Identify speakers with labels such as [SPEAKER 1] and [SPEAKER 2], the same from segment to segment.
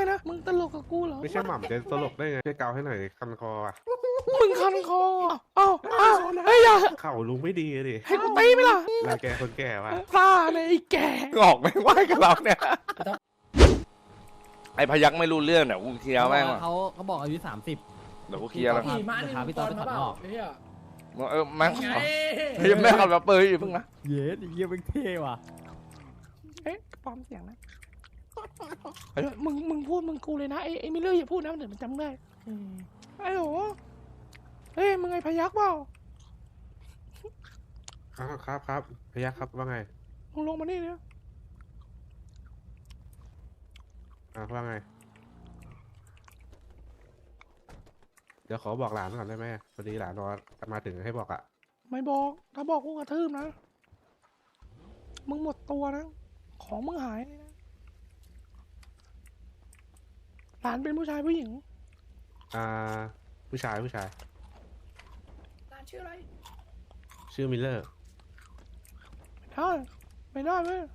[SPEAKER 1] นะมึงตลกกับกูเหรอ
[SPEAKER 2] ไม่ใช่หม่ำจะตลกได้ไงช่วยเกาให้หน่อยดิคันคออ่ะ
[SPEAKER 1] มึงคันคอเอ้าเฮ้ยอย่า
[SPEAKER 2] เข่าลุงไม่ดีดิ
[SPEAKER 1] ให้กูตีไหมล่ะ
[SPEAKER 2] รังแกคนแก่ว่ะ
[SPEAKER 1] ตาเนี่ยไอ้แก่
[SPEAKER 3] ออกไม่ไหวกับเราเนี่ยไอ้พยักไม่รู้เรื่องเนี่ยกูเคลียร์แม่งว่ะ
[SPEAKER 4] เขาบอกอายุ30
[SPEAKER 3] เดี๋ยวกูเคลียร์แล้ว
[SPEAKER 4] ขี่ม้าพาพี่ต้อไปขับนอก
[SPEAKER 3] แม่งยังไม่ขับมาเปิดอยู่เพิ่งนะ
[SPEAKER 4] เย้ดิเยี่ยมเท่ว่ะ
[SPEAKER 1] เอ๊ะปลอมเสียงนะมึงพูดมึงกูเลยนะไอ้มิลเลอร์อย่าพูดนะเดี๋ยวมันจำได้ไอ้โหเฮ้ยมึงไงพยักเปล่า
[SPEAKER 2] ครับพยัคฆ์ครับว่าไง
[SPEAKER 1] มึงลงมานี่เนี่ย
[SPEAKER 2] ว่าไงเดี๋ยวขอบอกหลานก่อนได้ไหมพอดีหลานรอมาถึงให้บอกอ่ะ
[SPEAKER 1] ไม่บอกถ้าบอกกูกระทืบนะมึงหมดตัวนะของมึงหายเลยนะหลานเป็นผู้ชายผู้หญิง
[SPEAKER 2] ผู้ชาย
[SPEAKER 1] หลานชื่ออะไร
[SPEAKER 2] ชื่อมิลเลอร์
[SPEAKER 1] ไม่ได้เว้ย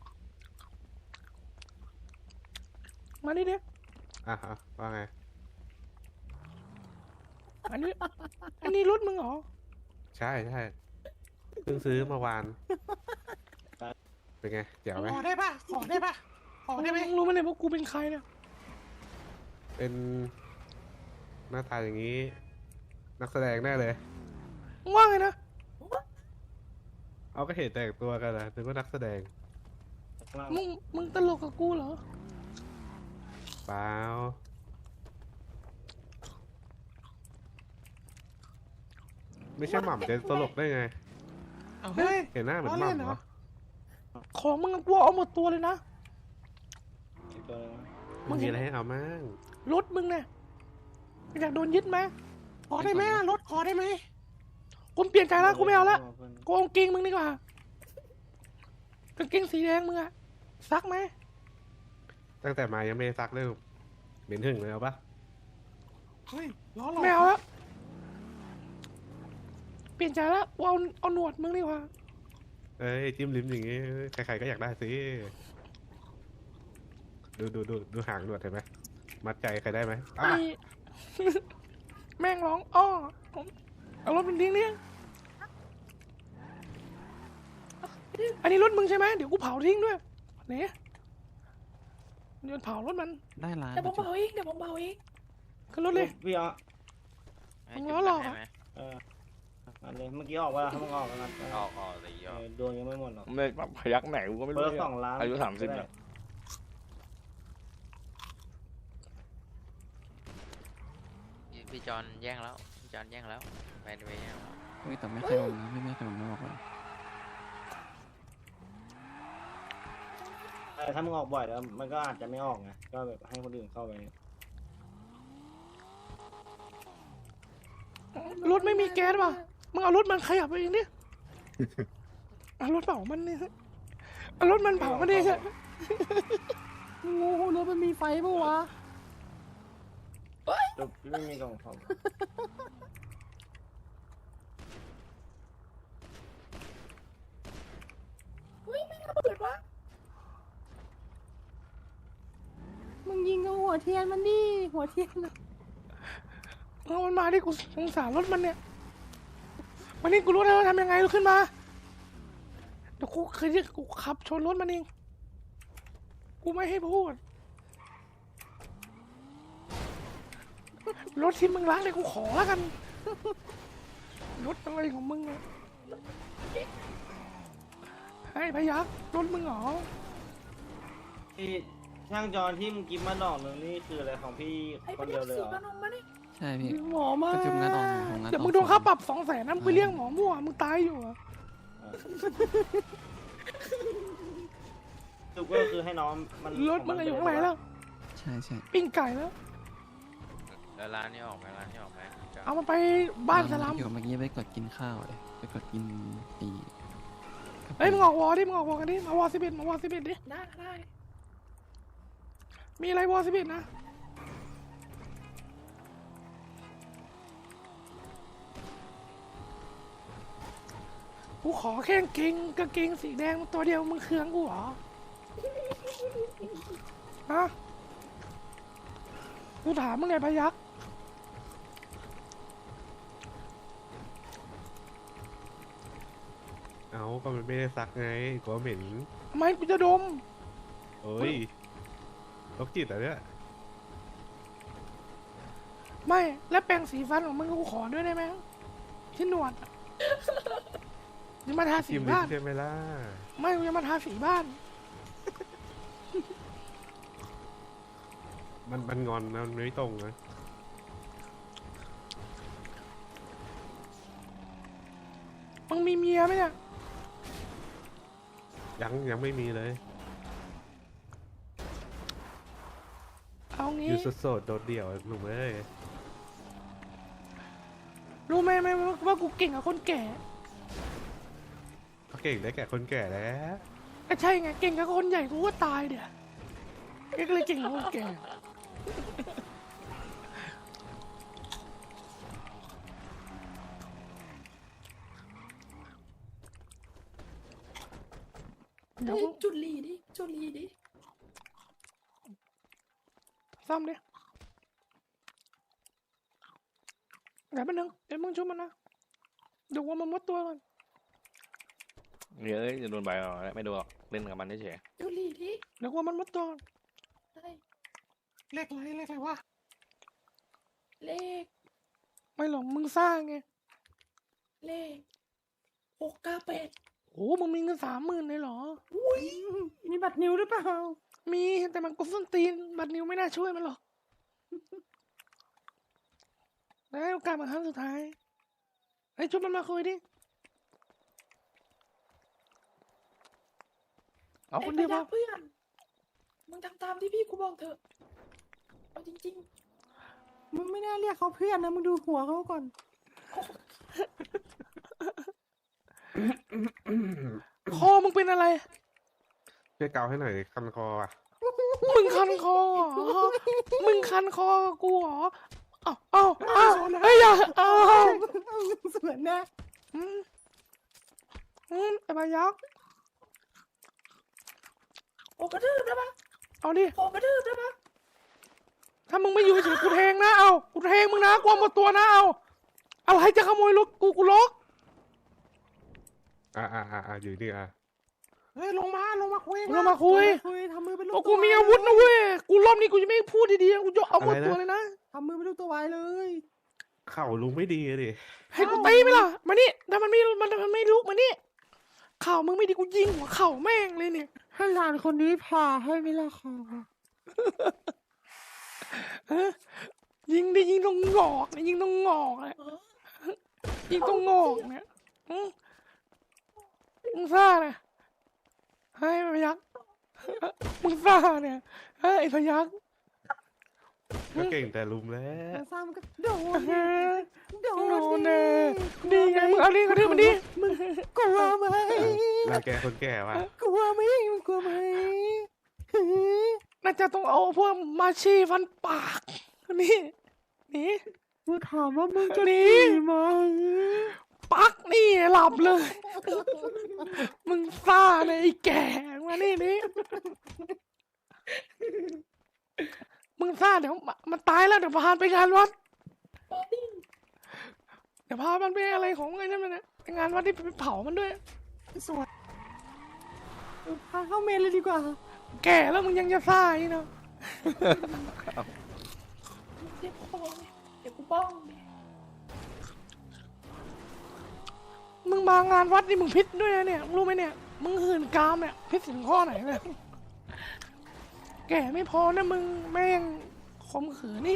[SPEAKER 1] มานี่ดิ
[SPEAKER 2] ว่าไง
[SPEAKER 1] อันนี้รถมึงเหรอ
[SPEAKER 2] ใช่เพิ่งซื้อเมื่อวานเป็นไงเจ๋วไหม
[SPEAKER 1] ขอได้ปะขอได้ไหมรู้ไหมเนี่ยว่ากูเป็นใครเนี่ย
[SPEAKER 2] เป็นหน้าตาอย่างนี้นักแสดงแน่เลย
[SPEAKER 1] ว่าไงนะ
[SPEAKER 2] เอาก็เห็นแต่งตัวกันนะนึกว่านักแสดง
[SPEAKER 1] มึงตลกกับกูเหรอ
[SPEAKER 2] เปล่าไม่ใช่หม่ำจะตลกได้ไง
[SPEAKER 1] เฮ้ย
[SPEAKER 2] เห็นหน้าเหมือนหม่ำเหรอ
[SPEAKER 1] ของมึงกลัวเอาหมดตัวเลยนะ
[SPEAKER 2] มึงมีอะไรให้เอามั่ง
[SPEAKER 1] รถมึงเนี่ยอยากโดนยึดไหมขอได้ไหมรถขอได้ไหมกูเปลี่ยนใจแล้วกูไม่เอาละกูเอากางเกงมึงดีกว่ากางเกงสีแดงมึงอะซักไหม
[SPEAKER 2] ตั้งแต่มายังไม่ซักเลยเหม็นหึ่งเลยเอาปะ
[SPEAKER 1] เฮ้ยล้อไม่เอาละเปลี่ยนใจแล้วกูเอาหนวดมึงดีกว่า
[SPEAKER 2] เอ้ยจิ้มลิ้มอย่างงี้ใครๆก็อยากได้สิดูหางหนวดเห็นไหมมัดใจใครได้ไหม
[SPEAKER 1] แม่งร้องอ้อเอารถมันทิ้งเนี่ยอันนี้รถมึงใช่ไหมเดี๋ยวกูเผาทิ้งด้วยเนี่ยเดี๋ยวเผารถมัน
[SPEAKER 4] ได้ร้าน
[SPEAKER 1] เดี๋ยวผมเผาอีกขึ้นรถเลย
[SPEAKER 5] พี่อ๋อ
[SPEAKER 1] มึงล้อหรอ
[SPEAKER 5] อันนี้เมื่อกี้ออกว่าถ้ามึงออกกัน
[SPEAKER 3] ออกเลย
[SPEAKER 5] โดนยังไม่หมดหรอก
[SPEAKER 3] ไม่พยักไหนกูก็ไม่รู้
[SPEAKER 5] 2 ล้าน
[SPEAKER 3] อายุ30เนี่ย
[SPEAKER 6] พี่จอนแย่งแล้วไปแย่งแล้ว
[SPEAKER 4] แต่ไม่เคยลงนะไม่เคยลงไม่ออกเลย
[SPEAKER 5] ถ้ามึงออกบ่อยแล้วมันก็อาจจะไม่ออกไงก็แบบให้คนอื่นเข้าไป
[SPEAKER 1] รถไม่มีแก๊สป่ะมึงเอารถมันขยับไปเองดิเอารถเผามันนี่เอารถมันเผามันดิใช่
[SPEAKER 4] งูรถมันมีไฟปะวะ
[SPEAKER 5] ไม่มีกล่องคอม
[SPEAKER 4] มึงยิงกับหัวเทียนมันดิหัวเทียน
[SPEAKER 1] เอามันมาดิกูสงสารรถมันเนี่ยวันนี้กูรู้แล้วทำยังไงขึ้นมาเดี๋ยวกูขับชนรถมันเองกูไม่ให้พูดรถที่มึงล้างเลยกูขอแล้วกันรถอะไรของมึงอะให้พยักรถมึงเหรอ
[SPEAKER 5] ที่ช่างจอนที่มึงกินมาดอกนึงนี่คืออะไรของพี่คนเดียวเลยเหรอ
[SPEAKER 4] ใช่พี่
[SPEAKER 1] หมอมา
[SPEAKER 4] ประชุมงานออก
[SPEAKER 1] เดี๋ยวมึงโดนค่าปรับ200,000นะมึงไปเรียกหมอมั่วมึงตายอยู่อะ
[SPEAKER 5] สุกก็คือให้น้องมัน
[SPEAKER 1] รถมึงอยู่ข้างไหนแล้ว
[SPEAKER 4] ใช่
[SPEAKER 1] ปิ้งไก่แล้ว
[SPEAKER 6] ร้านนี้ออกไหม
[SPEAKER 1] เอามาไปบ้านสลัม
[SPEAKER 4] เดี๋ยวเมื่อกี้ไปกดกินข้าวเลยไปกดกิน
[SPEAKER 1] เฮ้ยมึงออกวอดิมึงออกวอกันดิมาวอ11ดิได้มีอะไรวอ11นะกูขอแค่กางเกงสีแดงตัวเดียวมึงเคืองกูเหรอฮะกูถามมึงไงพยัก
[SPEAKER 2] เอาก็มันไม่ได้ซักไงกลัวเหม็น
[SPEAKER 1] ทำไมกูจะดม
[SPEAKER 2] โอ้ยโรคจิตเหรอเนี่ย
[SPEAKER 1] ไม่แล้วแปรงสีฟันของมึงกูขอด้วยได้ไหมที่หนวดอะจะมาทาสี
[SPEAKER 2] จิ้มลิ้
[SPEAKER 1] บ้าน น
[SPEAKER 2] ใช่ไหมล่ะ
[SPEAKER 1] ไม่กูจะมาทาสีบ้าน
[SPEAKER 2] มันงอนนะมันไม่ตรงนะ
[SPEAKER 1] มึงมีเมียไหมเนี่ย
[SPEAKER 2] ยังไม่มีเลย
[SPEAKER 1] เอา
[SPEAKER 2] อ
[SPEAKER 1] งี้
[SPEAKER 2] ยู่โสดๆโดดเดี่ยวหนุ่มเอ้ย
[SPEAKER 1] รู้ไหมว่ากูเก่งกับคนแก่
[SPEAKER 2] ก็เก่งได้แก่คนแก่แล้ว
[SPEAKER 1] ก็ใช่ไงเก่งกับคนใหญ่กูก็ตายเดี๋ยวเอ็กเลยเก่งกับคนแก่เดี๋ยว
[SPEAKER 4] เฮ้ยจุดลีดิจุดลีดิ
[SPEAKER 1] ซ่อมดิเดี๋ยวแป๊บนึงเดี๋ยวมึงช่วยมันนะเดี๋ยวว่ามันมดตัวก่อน
[SPEAKER 3] เดี๋ยวจะโดนใบเอาไม่โดนหรอกเล่นกับมันเฉย
[SPEAKER 4] จุดลีดิ
[SPEAKER 1] เดี๋ยวว่ามันมดตัวก่อน
[SPEAKER 4] ได้
[SPEAKER 1] เลขอะไรวะ
[SPEAKER 4] เลข
[SPEAKER 1] ไม่หรอกมึงสร้างไง
[SPEAKER 4] เลข698
[SPEAKER 1] โอ้มึงมีเงิน30,000เลยเหรอ
[SPEAKER 4] มีบัตรนิวหรือเปล่า
[SPEAKER 1] มีแต่มันกูส้นตีนบัตรนิวไม่น่าช่วยมันหรอกได้โอกาสมาครั้งสุดท้ายไอ้ชุบมันมาคุยดิเอาคนเดียว
[SPEAKER 4] ไอ้
[SPEAKER 1] พ
[SPEAKER 4] พ
[SPEAKER 1] อ
[SPEAKER 4] เพื่อน มึงทำตามที่พี่กูบอกเถอะ เอาจริง
[SPEAKER 7] มึงไม่น่าเรียกเขาเพื่อนนะ มึงดูหัวเขาก่อน
[SPEAKER 1] คอมึงเป็นอะไร
[SPEAKER 2] ช่วยเกาให้หน่อยคันคออ่ะ
[SPEAKER 1] มึงคันคอเหรอมึงคันคอกับกูเหรอเอาเฮ้ยอย่าเอา
[SPEAKER 7] สวนนะ
[SPEAKER 1] ไอ้บายักษ์
[SPEAKER 4] ๆ โอ้กระดืบได้ปะ
[SPEAKER 1] เอาดิ
[SPEAKER 4] โอ้กระดืบได้ปะ
[SPEAKER 1] ถ้ามึงไม่อยู่เฉยๆกูแทงนะเอากูแทงมึงนะกลัวหมดตัวนะเอาอะไรจะขโมยรถกูล็อก
[SPEAKER 2] อยู่นี่อ่ะ
[SPEAKER 7] เฮ้ย ลงมาคุย
[SPEAKER 1] เรามาคุย
[SPEAKER 7] คุยทำมือเป็นลูก
[SPEAKER 1] โอ้กูมีอาวุธนะเว้ยกูรอบนี้กูจะไม่พูดดีๆกูจะเอาหมดตัวเลยนะ
[SPEAKER 7] ทำมือเป็นลูกตัววายเลย
[SPEAKER 2] เข่าลุงไม่ดีอะดิ
[SPEAKER 1] ให้กูตีไหมล่ะมานี่ถ้ามันไม่ลุกมานี่ข่าวมึงไม่ดีกูยิงหัวเข่าแม่งเลยเนี่ย
[SPEAKER 7] ให้หลานคนนี้ผ่าให้ไม่ละคอ
[SPEAKER 1] ฮะยิงได้ยิงตรงงอกนะยิงตรงงอกเลยยิงตรงงอกเนี่ยมึงซ่าเนี่ยให้พยักมึงซ่าเนี่ยเฮ้ยไอ้พยัก
[SPEAKER 2] ก็เก่งแต่ลุมแล้ว
[SPEAKER 7] ซ้ำก็โดน
[SPEAKER 1] เฮ้ย
[SPEAKER 7] โด
[SPEAKER 1] โด
[SPEAKER 7] น
[SPEAKER 1] นแน่ดีไงมึงเอาดิกระทืบมันดิ
[SPEAKER 7] กลัวไหม
[SPEAKER 2] รังแกคนแก่ว่ะ
[SPEAKER 7] กลัวไหมมึงกลัวไหม
[SPEAKER 1] น่าจะต้องเอาพวกมาชีฟันปากนี่นี่
[SPEAKER 7] กูถามว่ามึงจะ
[SPEAKER 1] นี่
[SPEAKER 7] หนีไหม
[SPEAKER 1] ปักนี่หลับเลย มึงซ่าเลยไอ้แก่มานี่มึงซ่าเดี๋ยวมันตายแล้วเดี๋ยวพาไปงานวัด เดี๋ยวพามันไปอะไรของไอ้นั่นมันนะไปงานวัดที่ไปเผามันด้วย
[SPEAKER 7] สวยพาเข้าเมนเลยดีกว่า
[SPEAKER 1] แก่แล้วมึงยังจะซ่าอีกเนาะ
[SPEAKER 4] เดี๋ยวกูป้องเดี๋ยวกูป้อง
[SPEAKER 1] มึงมางานวัดนี่มึงพิษด้วยนะเนี่ยมึงรู้ไหมเนี่ย มึงหื่นกามเนี่ยพิษถึงข้อไหนเนี่ยแก่ไม่พอนะมึงแม่งข่มขืนนี่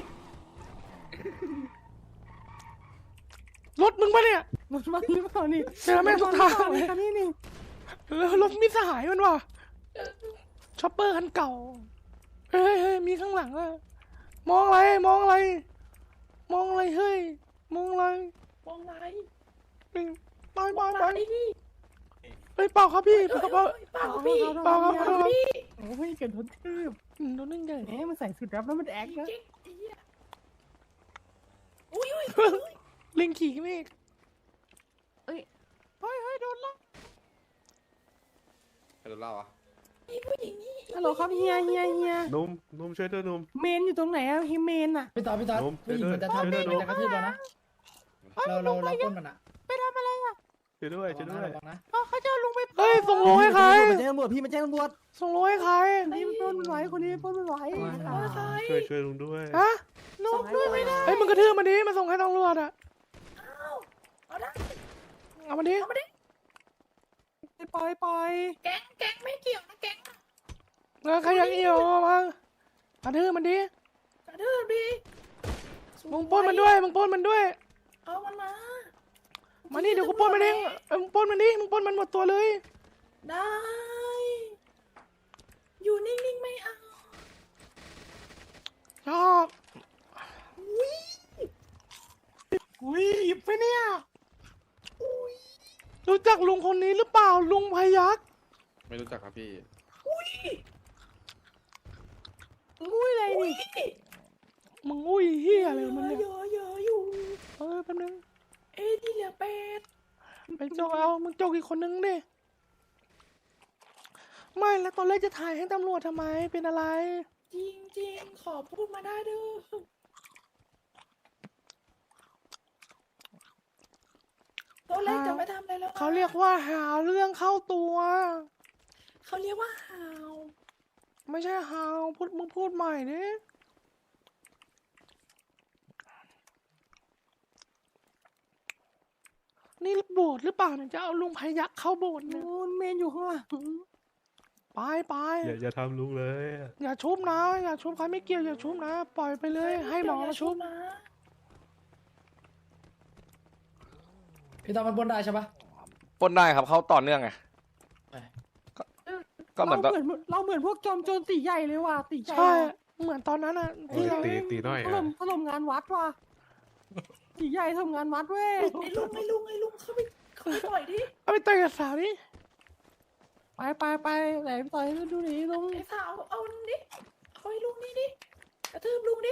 [SPEAKER 1] รถมึงปะเนี่ย
[SPEAKER 7] รถมันหรือเปล่านี่
[SPEAKER 1] เจอแม่งทุกทางเลย
[SPEAKER 7] คันนี้นี่
[SPEAKER 1] แล้วรถมิตรสหายมันว่ะช็อปเปอร์คันเก่า เฮ้ยมีข้างหลังอะมองอะไรมองอะไรมองอะไรเฮ้ยมองอะไร
[SPEAKER 4] มองไหน
[SPEAKER 1] ไป
[SPEAKER 4] มองไหนนี่
[SPEAKER 1] เฮ้ยเปล่าครับพี่เปล่าครับ
[SPEAKER 4] เปล่าพี่
[SPEAKER 1] เปล่าครับเปล่าครับ
[SPEAKER 4] พี่
[SPEAKER 7] โอ้ยเกิดทนทืบ
[SPEAKER 1] โดนนึ่งใหญ่
[SPEAKER 7] แหมมันใส่สุดรับแล้วมันแอคนะ
[SPEAKER 4] เจ๊งไอ้เหี้ยอุ้ย
[SPEAKER 1] ลิงขี่เมฆ
[SPEAKER 7] เฮ้ยโดนละ
[SPEAKER 2] ใครโดนเล่าอ่ะ
[SPEAKER 4] อีผู้หญิงนี่
[SPEAKER 7] ฮัลโหลครับเฮีย
[SPEAKER 2] นุ่มช่วยด้วยนุ่ม
[SPEAKER 7] เมนอยู่ตรงไหนอะเฮียเมนอะ
[SPEAKER 8] พี่ต๊อด
[SPEAKER 2] นุ่ม
[SPEAKER 8] ผู้หญิงมันจะทำ
[SPEAKER 2] ช่วยด้วย
[SPEAKER 8] มันจะกระทืบเรานะเราปล้นมันอะ
[SPEAKER 7] ไปทำอะไรอะ
[SPEAKER 2] ช่วยด้วยช่วยด้วย
[SPEAKER 8] ระวังนะ
[SPEAKER 7] เขาจะเอาลุงไป
[SPEAKER 1] เฮ้ยส่งโลให้ใคร
[SPEAKER 8] มันแจ้งตำรวจพี่มันแจ้งตำรวจ
[SPEAKER 1] ส่งโลให้ใคร
[SPEAKER 7] คนนี้ปล้นไม่ไหวคนนี้ปล้นไม่ไหว
[SPEAKER 2] ช่วยลุงด้วย
[SPEAKER 1] ฮะ
[SPEAKER 7] ลุงด้วยไม่ได้
[SPEAKER 1] เฮ้ยมึงกระทืบมันดิมาส่งให้ตำรวจอ่ะ
[SPEAKER 4] เอาได้
[SPEAKER 1] เอามันดิ
[SPEAKER 4] เอามาดิ
[SPEAKER 7] ปล่อย
[SPEAKER 4] แก๊งไม่เกี่ยวนะแก๊ง
[SPEAKER 1] แล้วใครอยากเอี่ยวมากระทืบมันดิ
[SPEAKER 4] กระดืบดี
[SPEAKER 1] มึงปล้นมันด้วยมึงปล้นมันด้วย
[SPEAKER 4] เอามันมา
[SPEAKER 1] มานี่เดี๋ยวกูปล้นมันเองมึงปล้นมันดิมึงปล้นมันหมดตัวเลย
[SPEAKER 4] ได้ อยู่นิ่งๆไม่เอา
[SPEAKER 1] ชอบอุ้ยหยิบไปเนี่ยรู้จักลุงคนนี้หรือเปล่าลุงพยัคฆ์
[SPEAKER 2] ไม่รู้จักครับพี่
[SPEAKER 7] อุ้ยอะไรนี่
[SPEAKER 1] มึงอุ้ยเฮียอะไรมันเนี่ย
[SPEAKER 4] เยอะอยู่
[SPEAKER 1] แป๊บนึง
[SPEAKER 4] เอ้ยที่เหลือเป็ด
[SPEAKER 1] ไปจกเอามึงจกอีกคนนึงดิไม่แล้วตอนแรกจะถ่ายให้ตำรวจทำไมเป็นอะไร
[SPEAKER 4] จริงๆ ขอพูดมาได้เด้อตอนแรกจะไม่ทำอะไรแล้ว
[SPEAKER 1] เขาเรียกว่าหาเรื่องเข้าตัว
[SPEAKER 4] เขาเรียกว่าหาว
[SPEAKER 1] ไม่ใช่หาวมึงพูดใหม่ดินี่โบสถ์หรือเปล่าเนี่ยจะเอาลุงพยัคฆ์เข้าโบสถ์เนี่ย
[SPEAKER 7] นู่นเมนอยู่ข้างหลัง
[SPEAKER 1] ไป
[SPEAKER 2] อย่าทำลุงเลย
[SPEAKER 1] อย่าชุบนะอย่าชุบใครไม่เกี่ยวอย่าชุบนะ ปล่อยไปเลย ให้หมอมาชุบ
[SPEAKER 4] นะ
[SPEAKER 8] พี่ต๊อดมันปล้นได้ใช่ปะ
[SPEAKER 3] ปล้นได้ครับเขาต่อเนื่องไง
[SPEAKER 8] ไป
[SPEAKER 3] ก็เหมือนตอน
[SPEAKER 7] เราเหมือนพวกจอมโจรตีใหญ่เลยว่ะตีใหญ่
[SPEAKER 1] ใช่เหมือนตอนนั้นอ่ะที่เรา
[SPEAKER 2] ตีน้อย
[SPEAKER 7] ถล่มงานวัดว่ะตีใหญ่ทำงานวัดเว้ย
[SPEAKER 4] ไอ้ลุงเข้าไปปล่อยดิ
[SPEAKER 1] เอาไปเตะกับสาวนี่
[SPEAKER 7] ไปไหนต่อยดูดิลุง
[SPEAKER 4] ไอ้สาวเอาลุงดิเอาไอ้ลุงนี่ดิกระทืบลุงดิ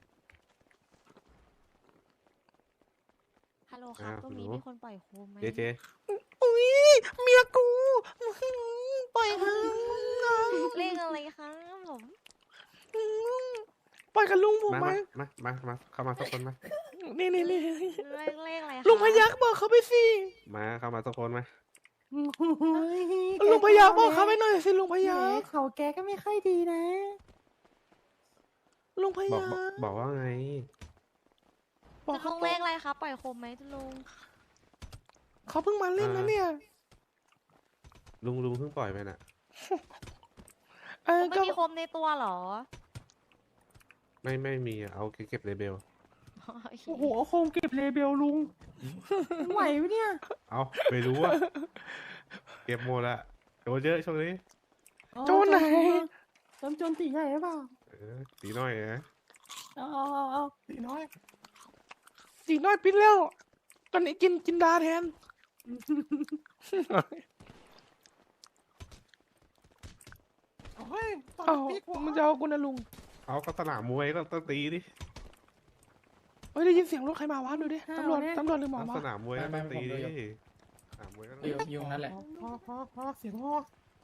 [SPEAKER 9] ฮัลโหลครับ ตรงนี้มีคนปล่อยโคมไหม
[SPEAKER 2] เจ
[SPEAKER 1] อุ้ยเมียกูปล่อยเถอะ
[SPEAKER 9] เลขอะไรครับผม
[SPEAKER 1] ปล่อยกับลุงผม
[SPEAKER 2] มา
[SPEAKER 1] ไหม
[SPEAKER 2] มาเข้ามาสักคนมา
[SPEAKER 1] นี่
[SPEAKER 9] เลขอะไรครับ
[SPEAKER 1] ลุงพยัคฆ์บอกเขาไปสิ
[SPEAKER 2] มาเข้ามาสักคนมา
[SPEAKER 1] ลุงพยัคฆ์บอกเขาไปหน่อยสิลุงพยัคฆ์
[SPEAKER 7] เขาแกก็ไม่ค่อยดีนะ
[SPEAKER 1] ลุงพ
[SPEAKER 2] บอก
[SPEAKER 1] ยัคฆ์
[SPEAKER 2] บอกว่าไง
[SPEAKER 1] บอก
[SPEAKER 9] ลุ
[SPEAKER 1] เขา
[SPEAKER 9] งเลขอะไรครับ ปล่อยโคมไหมลุง
[SPEAKER 1] เขาเพิ่งมาเล่นนะเนี่ย
[SPEAKER 2] ลุงเพิ่งปล่อยไปน่ะ
[SPEAKER 9] ไม่
[SPEAKER 1] ก็
[SPEAKER 9] มีโคมในตัวเหรอ
[SPEAKER 2] ไม่มีอะเอาเก็บเลเบล
[SPEAKER 7] โอ้โหโคงเก็บเลเบลลุงไหวปะเนี่ย
[SPEAKER 2] เอาไม่รู้อะเก็บหมดละโดนเยอะช่วงนี้
[SPEAKER 1] โจรไหน
[SPEAKER 7] จอมโจรตีใหญ่หรือเปล่า
[SPEAKER 2] ตีน้อยนะ
[SPEAKER 7] เอา
[SPEAKER 1] สีน้อยปิ้นแล้วตอนนี้กินดาแทน
[SPEAKER 7] เฮ้ย
[SPEAKER 1] เอ้ามันจะเอากูนะลุง
[SPEAKER 2] เอาก็สนามมวยก็ต้องตีดิ
[SPEAKER 1] เฮ้ยได้ยินเสียงรถใครมาวะดูดิตำรวจหรือหมอ
[SPEAKER 2] เอา
[SPEAKER 1] มา
[SPEAKER 2] สนามมวยก็ต้องตีดิสนามมวยก็ต้อง
[SPEAKER 8] อยู่ตรงนั้นแหละ
[SPEAKER 7] พอเสียงพอ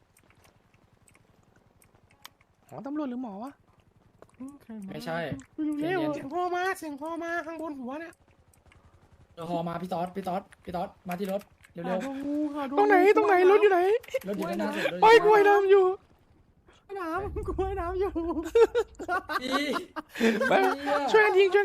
[SPEAKER 1] อ๋อตำรวจหรือหมอวะ
[SPEAKER 8] ไม่ใช่
[SPEAKER 7] เร็ว
[SPEAKER 1] เสียงพ่อมาข้างบนหัวเนี่ย
[SPEAKER 8] เดี๋ยวฮอมาพี่ต๊อดมาที่รถเร็ว
[SPEAKER 1] ตรงไหนรถอยู่ไหน
[SPEAKER 8] ๆรถอยู่ด้านหน้าสุด
[SPEAKER 1] ไปกล้วยน้ำอยู่
[SPEAKER 7] น้ำกล้วยน้ำอยู่
[SPEAKER 8] พี่
[SPEAKER 1] ไปช่วยกันยิง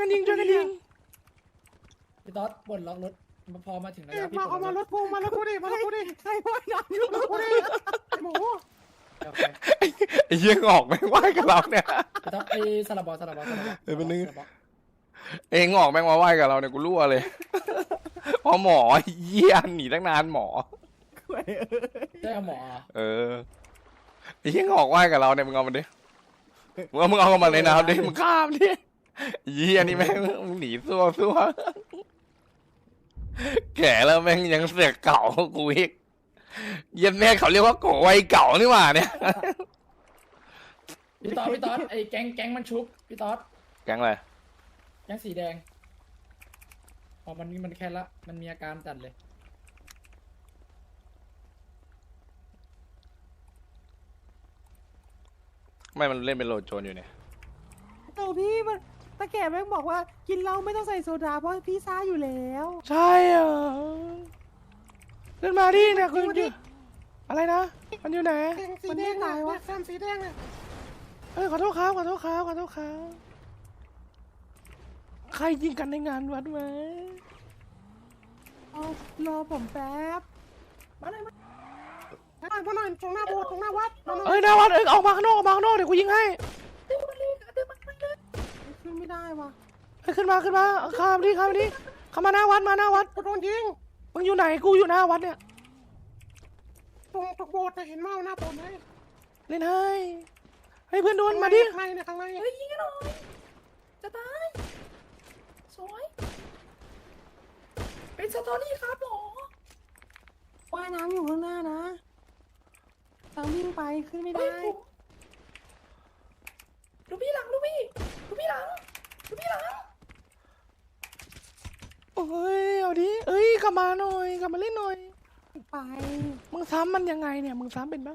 [SPEAKER 8] พี่ต๊อดปลดล็อกรถพอมาถึงระยะพี่
[SPEAKER 1] มา
[SPEAKER 8] ปล
[SPEAKER 1] เอา
[SPEAKER 8] ด
[SPEAKER 1] มา
[SPEAKER 8] ล็อก
[SPEAKER 1] รถกูมาแล้วกูดิ
[SPEAKER 7] ใครว่ายน้ำอยู่กูดิหมู
[SPEAKER 8] โอเค
[SPEAKER 3] ไอ้เหี้ยงอกไม่งไหวกับเราเนี่ย
[SPEAKER 8] พี่ต๊อดไอ้สลับบอล
[SPEAKER 3] เดี๋ยวแป๊บนึง เองงอกแม่งมาไหวกับเราเนี่ยกูรั่วเลยเพราะหมอเหี้ยหนีตั้งนานหมอ
[SPEAKER 8] ได้เอาหมอ
[SPEAKER 3] เออไอ้เหี้ยงอกไหวกับเราเนี่ยมึงเอามันดิมึงเอามันเลยนะดิมึง
[SPEAKER 1] ข้ามดิ
[SPEAKER 3] เหี้ยนี่แม่งมึงหนีซัวแก่แล้วแม่งยังเสือกเก่ากูอีกเยี่ยมแม่เขาเรียกว่าโกวัยเก่านี่หว่าเนี่ย
[SPEAKER 8] พี่ต๊อดไอ้แก๊งมันชุบพี่ต๊อด
[SPEAKER 3] แก๊งอะไร
[SPEAKER 8] แก๊งสีแดงพอมันแค่ละมันมีอาการจัดเลย
[SPEAKER 1] เ
[SPEAKER 3] ไม่มันเล่นเป็นโหลดโจรอยู่เนี่ย
[SPEAKER 7] โอ้พี่มันตะแก่แม่งบอกว่ากินเหล้าไม่ต้องใส่โซดาเพราะพี่ซ่าอยู่แล้ว
[SPEAKER 1] ใช่เหรอขึ้นมาดิเนี่ยคุณอยู่อะไรนะ มันอยู่ไหน
[SPEAKER 7] มันไม่ตายวะแซมสีแดงเนี่ย
[SPEAKER 1] ขอโทษครับขอโทษครับขอโทษครับใครยิงกันในงานวัดไหม
[SPEAKER 7] เอารอผมแป๊บ
[SPEAKER 8] มาหน่อยตรงหน้าโบสถ์ตรงหน้าวัดมาหน่อย
[SPEAKER 1] หน้าวัดออกมาข้างนอกออกมาข้างนอกเดี๋ยวกูยิงให้
[SPEAKER 8] ดึงมันเลยดึงมันเลย
[SPEAKER 7] ขึ้นไม่ได้วะ
[SPEAKER 1] ขึ้นมาข้ามดิเข้ามาหน้าวัดมาหน้าวัด
[SPEAKER 8] กูโดนยิง
[SPEAKER 1] มึงอยู่ไหนกูอยู่หน้าวัดเนี่ย
[SPEAKER 8] ตรงโบสถ์เห็นเมาหน้าโบสถ์ไหม
[SPEAKER 1] เล่นให้เพื่อนโดนมาดิ
[SPEAKER 8] ข้างในเนี่ยข้างใน
[SPEAKER 4] เฮ้ยยิงกันหน่อยจะตายสวยเป็นสตอรี่ครับหรอ
[SPEAKER 7] ว่ายน้ำอยู่ข้างหน้านะทางวิ่งไปขึ้นไม่
[SPEAKER 4] เฮ้ย
[SPEAKER 7] ได้
[SPEAKER 4] ลูกพี่หลังลูกพี่หลัง
[SPEAKER 1] โอ้ยเอาดิเอ้ยกลับมาหน่อยกลับมาเล่นหน่อย
[SPEAKER 7] ไป
[SPEAKER 1] มึงซ้ำมันยังไงเนี่ยมึงซ้ำเป็นปะ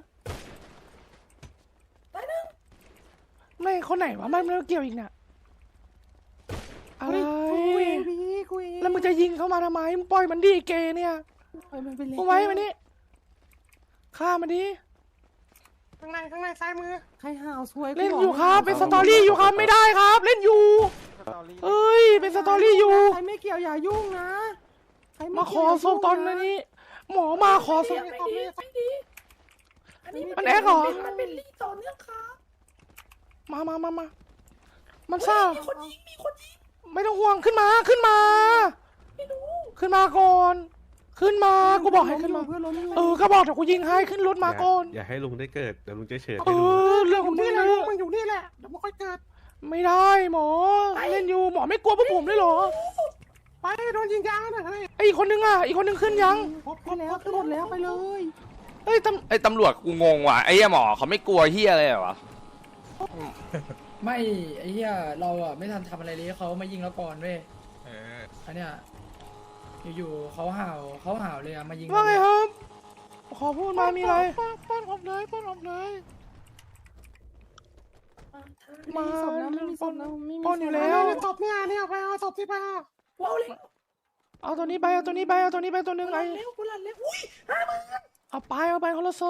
[SPEAKER 4] ตายหนึ่ง
[SPEAKER 1] ไม่คนไหนวะมันไม่เกี่ยวอีกเนี่ยอะไร
[SPEAKER 7] คุยเองพี่คุยเอง
[SPEAKER 1] แล้วมึงจะยิงเข้ามาทำไมมึงปล่อยมันดิเกเนี่ย
[SPEAKER 7] ปล่อยมันไปเลย
[SPEAKER 1] มึงไว้มันนี่ฆ่ามันดิ
[SPEAKER 8] ข้างในซ้ายมือ
[SPEAKER 7] ใครห่าวสวย
[SPEAKER 1] เล่นอยู่ครับเป็นสตอรี่อยู่ครับไม่ได้ครับ เล่นอยู่เอ้ยเป็นสตอรี่อยู่
[SPEAKER 7] ใครไม่เกี่ยวอย่ายุ่งนะใครไ
[SPEAKER 1] มาขอ
[SPEAKER 7] เกี่ยว
[SPEAKER 1] ศพตอนนี้หมอมาขอศพ
[SPEAKER 4] ไม่ดีอันนี้
[SPEAKER 1] มันแอกเหรอ
[SPEAKER 4] มันเป็นลีต่อเนื่องครับ
[SPEAKER 1] มามันซ่า
[SPEAKER 4] มีคนยิง
[SPEAKER 1] ไม่ต้องห่วงขึ้นมา
[SPEAKER 4] ไม่รู้
[SPEAKER 1] ขึ้นมาก่อน ขึ้นมากูบอกให้ขึ้นมา
[SPEAKER 7] เพื่อนล้มอยู่
[SPEAKER 1] ก็บอกเดี๋ยวกูยิงให้ขึ้นรถมาก่อน
[SPEAKER 2] อย่าให้ลุงได้เกิดเดี๋ยวลุงจะเฉิด
[SPEAKER 1] เอ
[SPEAKER 2] ให้ลุง
[SPEAKER 1] อเรื่องของมึง
[SPEAKER 8] นี่แห
[SPEAKER 1] นะ
[SPEAKER 8] ละลูกมึงอยู่นี่แหละเดี๋ยวมึงค่อยเกิด
[SPEAKER 1] ไม่ได้หมอเล่นอยู่หมอไม่กลัวพวกผมเลยเหรอ
[SPEAKER 8] ไปโดนยิงยางนะเฮ้ย
[SPEAKER 1] ไอ้อีกคนนึงอ่ะอีกคนนึงขึ้นยัง
[SPEAKER 7] ขึ้นแล้วขึ้นหมดแล้วไปเลย
[SPEAKER 1] เอ้ย
[SPEAKER 3] ไอ้ตำรวจกูงงว่ะไอ้เหี้ยหมอเขาไม่กลัวเหี้ยอะไรเหรอวะ
[SPEAKER 8] ไม่ไอ้เหี้ยเราอ่ะไม่ทันทำอะไรเลยเขามายิงเราก่อนเว้ยอันเนี้ยอยู่ๆเขาห่าวเลยอ่ะมายิง
[SPEAKER 1] ว่าไง
[SPEAKER 8] เร
[SPEAKER 1] ครับ ขอพูดมามีอะไรป้อนออกเลย
[SPEAKER 7] ไม่มีศพนะไม่มีศพนะไม่มี
[SPEAKER 1] ป้อนอยู่
[SPEAKER 7] ศพ
[SPEAKER 1] แล้
[SPEAKER 7] นะ
[SPEAKER 1] ว
[SPEAKER 8] ศพเนี่ยไปเอาศพที่ไปเอา
[SPEAKER 4] ว้าวเลย
[SPEAKER 1] เอาตัวนี้ไปตัวนึงไง
[SPEAKER 4] กูหลันแล้วอุ้ย50,000
[SPEAKER 1] เอาไปคนละศพ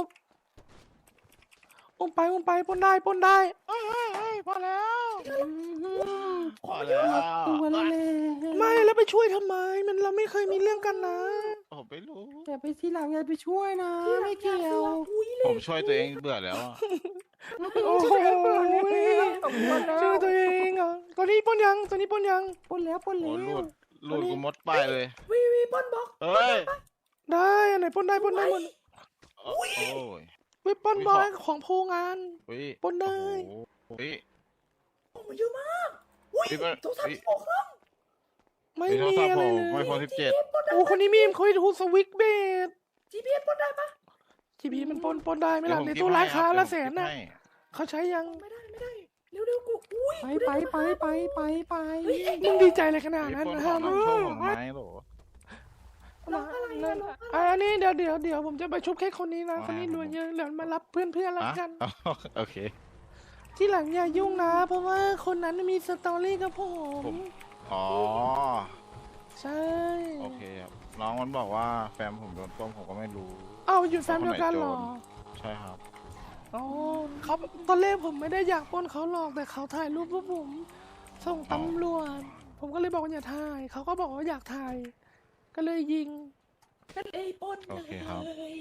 [SPEAKER 1] อุ้มไปปล้นได้เอ้ยพอแล้ว
[SPEAKER 7] ตัวเล่น
[SPEAKER 1] ไม่แล้วไปช่วยทำไมมันเราไม่เคยมีเรื่องกันนะ
[SPEAKER 10] ผมไม่รู้
[SPEAKER 7] อย่าไปทีหลังอย่าไปช่วยนะไม่เกี่ยว
[SPEAKER 10] ผมช่วยตัวเองเบื่อแล้วอะ
[SPEAKER 1] โอ้โหช่วยตัวเองเหรอตัวนี้ปล้นยัง
[SPEAKER 7] ปนแล้ว
[SPEAKER 10] โอ้หลุดกูมดไปเลย
[SPEAKER 4] วีบอลบอก
[SPEAKER 10] เฮ้ย
[SPEAKER 1] ได้อันไหนปล้นได้หมด
[SPEAKER 10] โอ้ย
[SPEAKER 1] วิปปล้นบอยของโพงาน
[SPEAKER 10] เฮ้ย
[SPEAKER 1] ปล้นได้
[SPEAKER 10] โอ้โหเฮ้ย
[SPEAKER 4] โอ้เยอะมากอุ้ย
[SPEAKER 10] พี่มัน
[SPEAKER 4] โทรศัพท์16เครื่อง
[SPEAKER 1] ไม่
[SPEAKER 10] มีโทร
[SPEAKER 1] มี
[SPEAKER 10] ศัพท์
[SPEAKER 1] อะไร
[SPEAKER 10] ผม
[SPEAKER 1] เล
[SPEAKER 10] ไม่
[SPEAKER 1] ย
[SPEAKER 10] พอ17
[SPEAKER 1] โอ้คนนี้มีมเคยดูสวิกเบด
[SPEAKER 4] GPS ปล้นได้ปะ
[SPEAKER 1] จีพีมันปล้นได้ไหมล่ะใน
[SPEAKER 10] เดี๋ยวผม
[SPEAKER 1] ตู้ร้านค้า
[SPEAKER 10] เก็บให้
[SPEAKER 1] ละ
[SPEAKER 10] ครับ
[SPEAKER 1] แสนน่ะ
[SPEAKER 10] เดี๋ยวผมเก็บให้
[SPEAKER 1] เขาใช้ยัง
[SPEAKER 4] ไม่ได้เร็วกูอุ้ย
[SPEAKER 7] ไป
[SPEAKER 1] มึงดีใจอะไรขนาด
[SPEAKER 10] ไอ้
[SPEAKER 1] นั้น
[SPEAKER 10] ปล้น
[SPEAKER 1] นะ
[SPEAKER 10] ข
[SPEAKER 1] ฮะ
[SPEAKER 10] องน้ำโชว์ผมไหมโหล
[SPEAKER 1] อันนี้เดี๋ยวผมจะไปชุบแค่คนนี้นะคนนี้รวยเยอะเดี๋ยวมารับเพื่อนแล้ว
[SPEAKER 10] อ่ะ
[SPEAKER 1] กัน
[SPEAKER 10] โอเค
[SPEAKER 1] ที่หลังอย่ายุ่งนะ เพราะว่าคนนั้นมีสตอรี่กับผม
[SPEAKER 10] อ๋อ
[SPEAKER 1] ใช่
[SPEAKER 10] โอเคครับน้องมันบอกว่าแฟนผมโดนต้มผมก็ไม่รู้
[SPEAKER 1] เอ้าอยู่แฟมเดียวกันเหรอ
[SPEAKER 10] ใช่ครับ
[SPEAKER 1] อ๋อเขาตอนแรกผมไม่ได้อยากปล้นเขาหรอกแต่เขาถ่ายรูปพวกผมส่งตำรวจผมก็เลยบอกว่าอย่าถ่ายเขาก็บอกว่าอยากถ่ายก็เลยยิง
[SPEAKER 4] กันเลยปล้น
[SPEAKER 10] โอเคครับ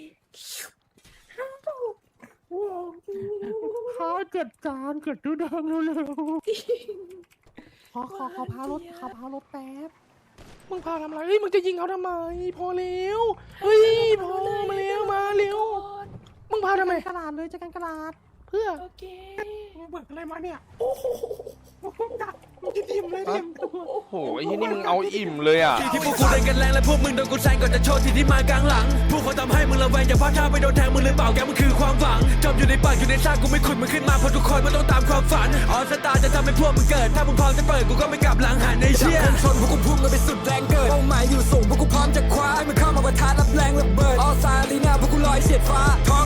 [SPEAKER 7] ข้าเกิดจานเกิดดูดังเร็วๆขอพารถแป๊บ
[SPEAKER 1] มึงพาทำอะไรเฮ้ยมึงจะยิงเขาทำไมพอแล้วเฮ้ยพอมาเร็วมึงพาทำไม
[SPEAKER 7] กระดาษเลยจะกันกระดาษ
[SPEAKER 1] เพื่อ
[SPEAKER 4] โอเค
[SPEAKER 8] มึงเบิกอะไรมาเนี่ย
[SPEAKER 4] โอ้โห
[SPEAKER 8] มึงกินอิ่มเลยเนี่ย
[SPEAKER 3] โอ้โหไอ้ที่นี่มึงเอาอิ่มเลยอ่ะ
[SPEAKER 11] ที่พวกกูเดินกันแรงและพวกมึงโดนกูแซงก่อนจะโชว์ที่ที่มากลางหลังพวกเขาทำให้มึงระแวงอย่าพลาดท่าไปโดนแทงมึงหรือเปล่าแกมันคือความหวังจมอยู่ในปากอยู่ในซากกูไม่ขุดมึงขึ้นมาเพราะทุกคนมันต้องตามความฝันออสตาจะทำให้พวกมึงเกิดถ้ามึงพร้อมจะเปิดกูก็ไม่กลับหลังหันในเชี่ยชนพวกกูพุ่งกันไปสุดแรงเกิดเป้าหมายอยู่สูงพวกกูพร้อมจะคว้าให้มันเข้ามาประทะรับแรงระเบิดออสตาลีนาพวกกูลอยเฉียดฟ้าท้อง